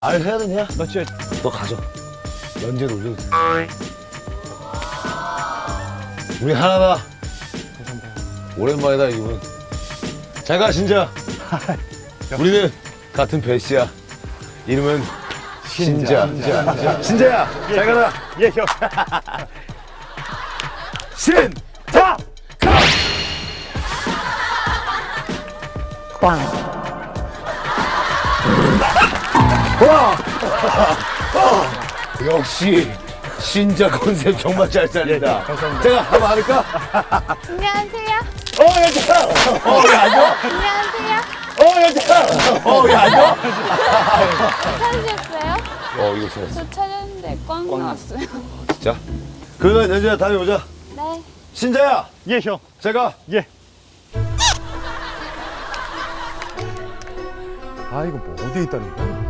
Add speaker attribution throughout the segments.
Speaker 1: 알 해야 되냐?
Speaker 2: 나 진짜
Speaker 1: 너 가져. 연재로 올려도 돼. 우리 하나다.
Speaker 2: 감사합니다.
Speaker 1: 오랜만이다 이분. 잘 가 진짜. 우리는 같은 배씨야. 이름은 신자. 신자야. 잘 가라.
Speaker 2: 예, 형.
Speaker 1: 신자. 역시 신자 컨셉 정말 잘 살린다.
Speaker 2: 예, 감사합니다.
Speaker 1: 제가 한번 할까?
Speaker 3: 안녕하세요.
Speaker 1: 연재야. 왜 앉아?
Speaker 3: 안녕하세요.
Speaker 1: 연재야. 왜 앉아?
Speaker 3: 찾으셨어요?
Speaker 1: 이거 찾았어.
Speaker 3: 저 찾았는데 꽝 나왔어요.
Speaker 1: 진짜? 그러면 연재야 다음에 오자.
Speaker 3: 네.
Speaker 1: 신자야.
Speaker 2: 예, 형.
Speaker 1: 제가
Speaker 2: 예. 아, 이거 뭐 어디에 있다는 거야?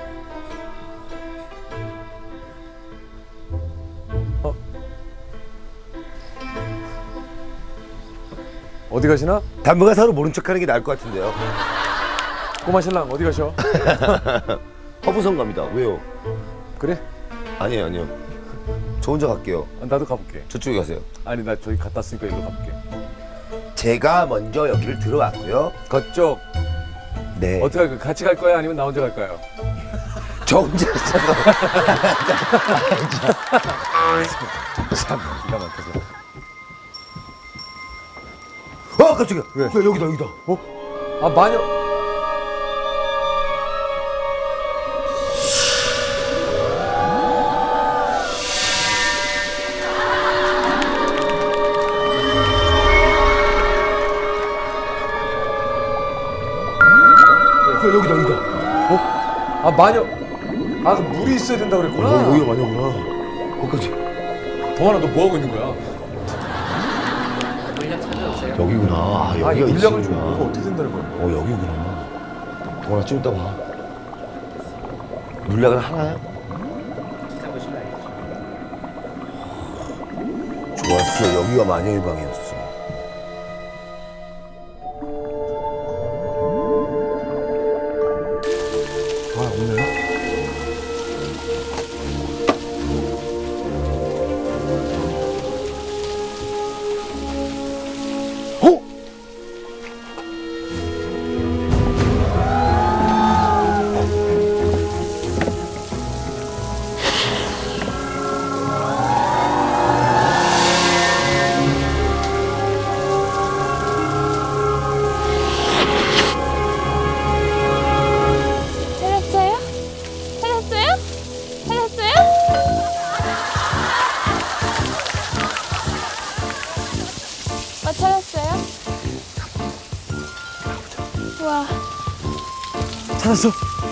Speaker 2: 어디 가시나?
Speaker 1: 당분간 서로 모른 척하는 게 나을 것 같은데요.
Speaker 2: 꼬마 신랑 어디 가셔?
Speaker 1: 허브성 갑니다. 왜요?
Speaker 2: 그래?
Speaker 1: 아니에요. 저 혼자 갈게요.
Speaker 2: 나도 가볼게.
Speaker 1: 저쪽에 가세요.
Speaker 2: 아니, 나 저기 갔다 왔으니까 일로 가볼게.
Speaker 1: 제가 먼저 여기를 들어왔고요.
Speaker 2: 그쪽
Speaker 1: 네.
Speaker 2: 어떻게 할까? 같이 갈 거야? 아니면 나 혼자 갈까요?
Speaker 1: 저 혼자 있어서.
Speaker 2: 참 기가 막혀서.
Speaker 1: 깜짝이야.
Speaker 2: 왜?
Speaker 1: 야, 여기다.
Speaker 2: 아, 마녀.
Speaker 1: 여기다.
Speaker 2: 아, 마녀. 아, 그 물이 있어야 된다 그랬구나.
Speaker 1: 여기가 마녀구나. 거기까지.
Speaker 2: 동환아, 너 뭐 하고 있는 거야?
Speaker 1: 여기구나. 아,
Speaker 2: 아,
Speaker 1: 여기가
Speaker 2: 물량을 좀
Speaker 1: 있구나.
Speaker 2: 뭐가 어떻게 된다는 거야?
Speaker 1: 여기구나. 동원아 좀 이따 봐. 물약은 하나야? 좋았어. 여기가 마녀의 방이었어.
Speaker 2: 아, 오늘?
Speaker 1: 어?
Speaker 3: 찾았어요? 찾았어요? 찾았어요? 와,
Speaker 2: 찾았어.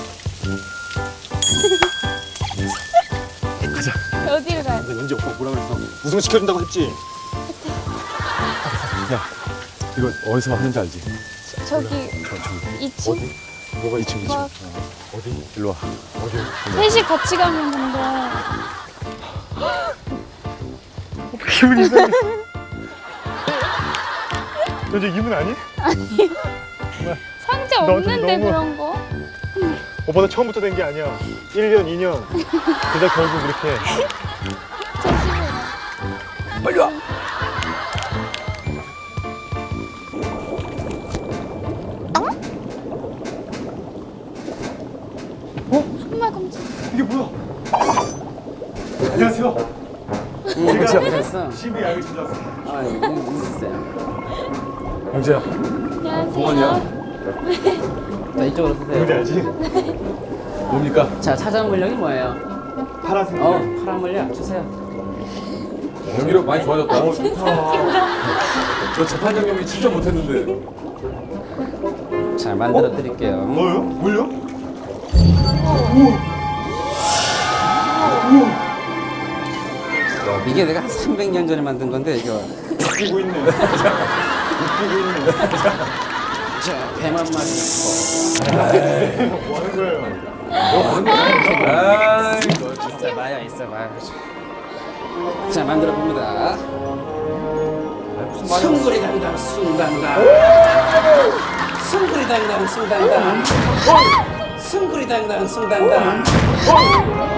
Speaker 3: 어디로 가야 돼?
Speaker 2: 연지 오빠 뭐라 그랬어? 우승시켜준다고 했지? 야, 이거 어디서 하는지 알지?
Speaker 3: 저기
Speaker 2: 저기.
Speaker 3: 2층?
Speaker 2: 뭐가 2층, 2층?
Speaker 3: 뭐?
Speaker 2: 어디? 일로 와.
Speaker 3: 셋이 같이 가면 근데
Speaker 2: 기분이 이상해. 연지 기분 아니?
Speaker 3: 상자
Speaker 2: 너
Speaker 3: 없는데
Speaker 2: 너무-
Speaker 3: 그런 거?
Speaker 2: 오빠도 처음부터 된 게 아니야. 1년, 2년. 그러다 결국 이렇게.
Speaker 3: 제 집에.
Speaker 1: 빨리 와.
Speaker 3: 정말 깜짝.
Speaker 2: 이게 뭐야? 안녕하세요.
Speaker 4: 오셨어?
Speaker 2: 심히 알고 찾았어.
Speaker 4: 아, 있어요.
Speaker 2: 영재야,
Speaker 3: 안녕하세요.
Speaker 2: 동원이야?
Speaker 4: 자, 이쪽으로
Speaker 2: 영재
Speaker 4: 서세요.
Speaker 2: 알지? 뭡니까?
Speaker 4: 자, 찾아온 물량이 뭐예요?
Speaker 2: 파란색.
Speaker 4: 파란 물량 주세요.
Speaker 2: 연기력 많이 좋아졌다. 저 재판 경험이 진짜 못했는데.
Speaker 4: 자, 만들어 드릴게요.
Speaker 2: 뭐요? 뭘요?
Speaker 4: 이게 내가 한 300년 전에 만든 건데, 이거.
Speaker 2: 웃기고 있네. 웃기고 있네.
Speaker 4: 자, 배만 마시고.
Speaker 2: 뭐 하는 거예요? 아이고,
Speaker 4: 있어봐요, 있어봐요. 자, 만들어 봅니다. 숭구리 당당, 숭당당. 숭구리 당당, 숭당당. 숭구리당당 숭당당.